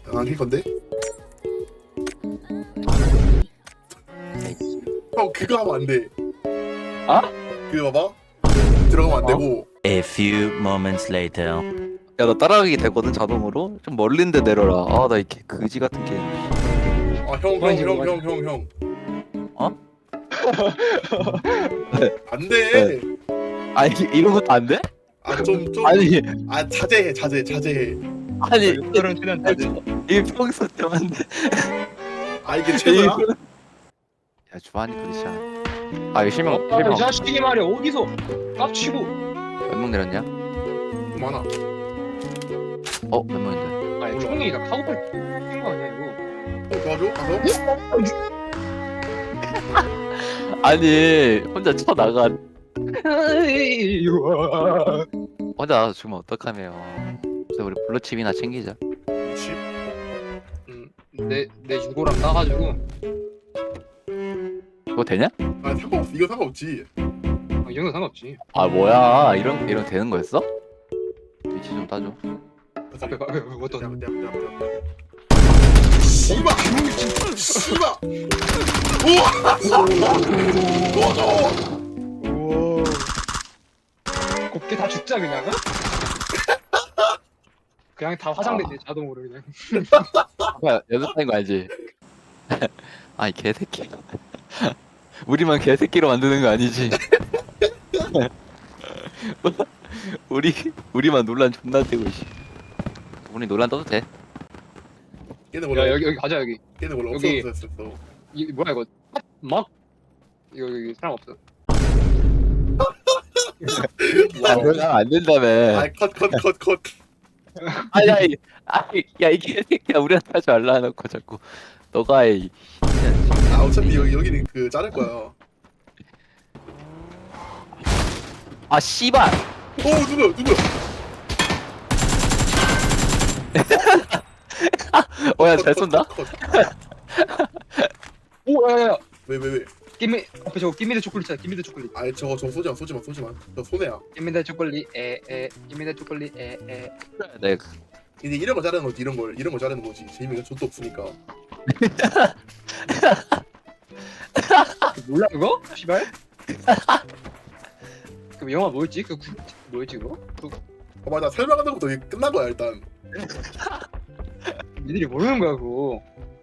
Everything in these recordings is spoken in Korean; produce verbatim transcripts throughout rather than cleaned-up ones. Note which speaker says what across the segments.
Speaker 1: 안킬 건데? 형 그거 하면 안 돼.
Speaker 2: 아?
Speaker 1: 그거 봐봐. 들어가면 안 되고.
Speaker 3: A few moments later.
Speaker 2: 야 나 따라가기 되거든 자동으로. 좀 멀린데 내려라. 아 나 이렇게 그지 같은 게.
Speaker 1: 아 형 형 형 형 형 형.
Speaker 2: 어?
Speaker 1: 안 돼.
Speaker 2: 아니 이런 것도 안 돼?
Speaker 1: 아 좀 좀.
Speaker 2: 아니
Speaker 1: 아 자제해 자제 자제해.
Speaker 2: 아니
Speaker 4: 그런 최대한 다 돼.
Speaker 2: 이게 평소 때문에.
Speaker 1: 아 이게 최고야?
Speaker 2: 야 주한이 그렇지 않아. 아 이거 실명
Speaker 4: 아, 이
Speaker 2: 실명
Speaker 4: 자식이 말이야 어디서 깝치고.
Speaker 2: 몇 명 내렸냐?
Speaker 1: 많아.
Speaker 2: 어 몇 명인데?
Speaker 4: 아니 총이 나 카고팔 뛴거 아니야 이거.
Speaker 1: 어 도와줘 가서.
Speaker 2: 아니 혼자 쳐 나가. 혼자 나가서 죽으면 어떡하me요. 그래서 우리 블루칩이나 챙기자.
Speaker 1: 그렇지.
Speaker 4: 내내 유고랑 따가지고.
Speaker 2: 그거 되냐?
Speaker 1: 아 상관없어. 이거 상관없지.
Speaker 4: 아, 이 정도 상관없지.
Speaker 2: 아 뭐야 이런 이런 되는 거였어? 위치 좀 따줘.
Speaker 4: 앞에 봐, 앞에 봐, 어떤?
Speaker 1: 내 앞에 내 앞에 내 앞에. 씨발. 씨발. 우와. 도와줘.
Speaker 4: 우와. 곱게 다 죽자 그냥. 어? 그냥 다 화장됐네 자동으로 그냥.
Speaker 2: 야 연습하는 거 알지? 아이 개새끼. 우리만 개새끼로 만드는 거 아니지? 우리 우리만 논란 존나 떼고 씨. 우리 논란 떠도 돼?
Speaker 1: 얘네 몰라.
Speaker 4: 야 여기 여기 가자 여기.
Speaker 1: 얘네 몰라.
Speaker 4: 여기.
Speaker 1: 없어 없어 없어.
Speaker 4: 이 뭐야 이거? 막 이거 여기 사람 없어.
Speaker 2: 야 그러면 안 된다며.
Speaker 1: 아컷컷컷 컷.
Speaker 2: 아야 이 아이 야이 개새끼야 우리한테 하지 말라 해놓고 자꾸 너가 이.
Speaker 1: 아 어차피 여기 여기는 그 자를 거야.
Speaker 2: 아 씨발.
Speaker 1: 오 누구야 누구야?
Speaker 2: 어야 잘 쏜다.
Speaker 4: 오 야야야.
Speaker 1: 왜왜 왜?
Speaker 4: 김미 앞에 저거 김미대 초콜릿 있잖아. 김미대 초콜릿.
Speaker 1: 아 저거 저 쏘지마 쏘지마 쏘지마. 저 손해야.
Speaker 4: 김미대 초콜릿 에에 김미대 초콜릿 에에.
Speaker 2: 네.
Speaker 1: 이제 이런 거 자르는 거지 이런 걸 이런 거 자르는 거지. 재미가 좆도 없으니까.
Speaker 4: 몰라 그거? 씨발. 그 영화 뭐였지? 그 구- 뭐였지 그거? 그
Speaker 1: 어 맞아 설명하는 것도 이게 끝난 거야 일단.
Speaker 4: 니들이 모르는 거야 그거.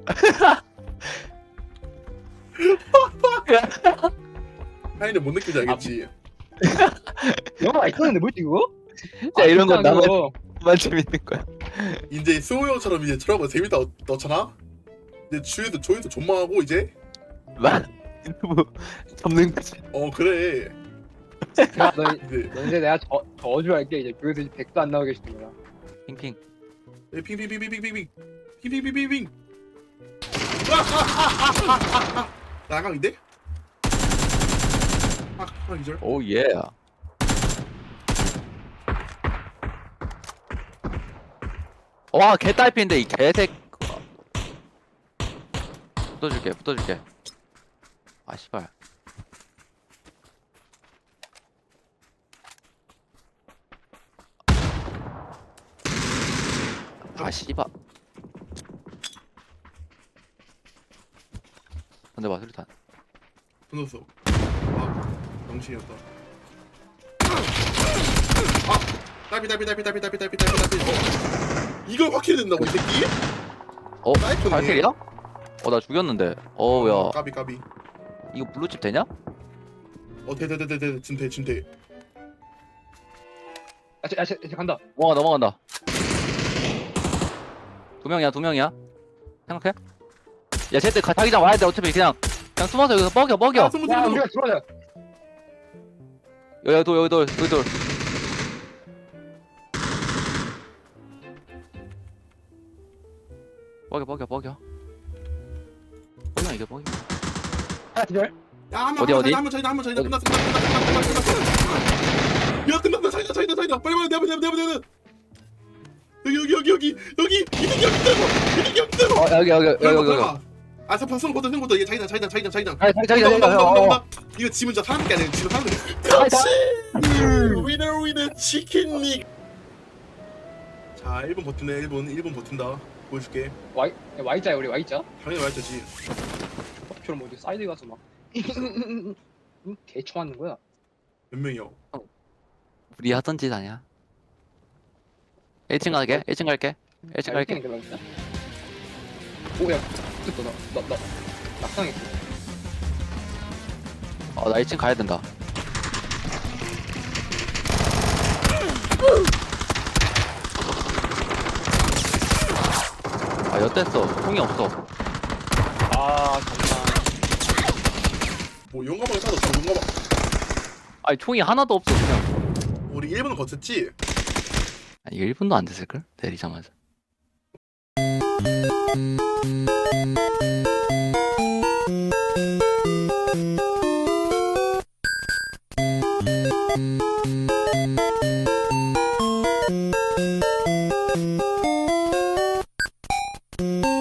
Speaker 1: 하이는 뭔 느낌인지 알겠지?
Speaker 4: 영화 있었는데 뭐였지 그거?
Speaker 2: 야 이런 건
Speaker 4: 진짜
Speaker 2: 나만
Speaker 4: 그거.
Speaker 2: 만 재밌는 거야.
Speaker 1: 이제 수호 형처럼 이제 저런 재밌다 어- 넣잖아? 이제 주위도 조회도 존망하고 이제
Speaker 2: 나 유튜브 접는 거지.
Speaker 1: 어 그래
Speaker 4: 야, 너,
Speaker 1: 이제
Speaker 4: 너 이제 내가 저 저주할게 이제 교회에서 이제 백도 안 나오게 시키는 거야.
Speaker 2: 핑핑.
Speaker 1: 핑핑핑핑핑핑핑 핑핑핑핑핑 나강인데? 아, 아 이절
Speaker 2: 오 예. 와 개딸피인데 이 개색. 붙어줄게 붙어줄게. 아 씨발. 아 씨발. 근데 봐 수류탄.
Speaker 1: 붙었어 아 정신이었다 아 딸피 딸피 딸피 딸피 딸피 딸피 딸피 딸피 어 이걸 확실히 된다고 이 새끼?
Speaker 2: 어?
Speaker 1: 사이프네.
Speaker 2: 발킬이야? 어 나 죽였는데. 어우야
Speaker 1: 까비 까비
Speaker 2: 이거 블루칩 되냐?
Speaker 1: 어 대대대대대 진대 진대
Speaker 4: 아, 쟤, 아, 쟤, 쟤 간다.
Speaker 2: 넘어가 넘어간다. 두 명이야 두 명이야. 생각해? 야 쟤들 자기장 와야 돼. 어차피 그냥 그냥 숨어서 여기서 뻐겨 뻐겨.
Speaker 1: 아 스무
Speaker 4: 야,
Speaker 1: 스무
Speaker 4: 우리가 들어가자.
Speaker 2: 여기 돌 여기 돌 여기 돌. 뻐겨 뻐겨 뻐겨. 뻐겨 이게 뻐겨.
Speaker 4: 아, 기절.
Speaker 1: 야한번
Speaker 2: 어디, 어디?
Speaker 1: 한번 차이다 한번 차이다 끝났어 끝났어 끝났어 끝났어 끝났어 야 끝났다 차이다 차이다 차이다 빨리 빨리 내봐 내봐 내봐 내봐 여기 여기 여기 여기 여기 이득이 여기 있다고 이득이 여기 있다고
Speaker 2: 어 여기 여기 여기 여기 여기.
Speaker 1: 아, 저 박성 거다 생거다 이게 자기장 자기장 자기장 자기장.
Speaker 2: 아니 자기 자기
Speaker 1: 온다,
Speaker 2: 자기
Speaker 1: 온다,
Speaker 2: 자기.
Speaker 1: 온다,
Speaker 2: 어,
Speaker 1: 온다,
Speaker 2: 어.
Speaker 1: 온다. 이거 지금 진짜 사람들이 아니라 지금 사람들이. 그렇지. 위너 위너 치킨 릭. 자, 일 분 버티네. 일 분 일 분 버틴다. 보여줄게.
Speaker 4: Y Y자야 우리 Y자.
Speaker 1: 당연히 말했지.
Speaker 4: 커피처럼 어디 사이드 가서 막 응? 개쳐 맞는 거야.
Speaker 1: 몇 명이야?
Speaker 2: 우리 하던 짓 아니야. 일 층 갈게. 일 층 갈게. 일 층 갈게.
Speaker 4: 오야 됐다 나나나 낙상했어.
Speaker 2: 어, 나 일 층 가야 된다. 아, 엿됐어. 총이 없어.
Speaker 4: 아 잠깐.
Speaker 1: 뭐 용감하게 찾았어. 용감하.
Speaker 2: 아니, 총이 하나도 없어, 그냥.
Speaker 1: 우리 일 분은 거쳤지?
Speaker 2: 아니, 일 분도 안 됐을걸? 내리자마자.
Speaker 3: you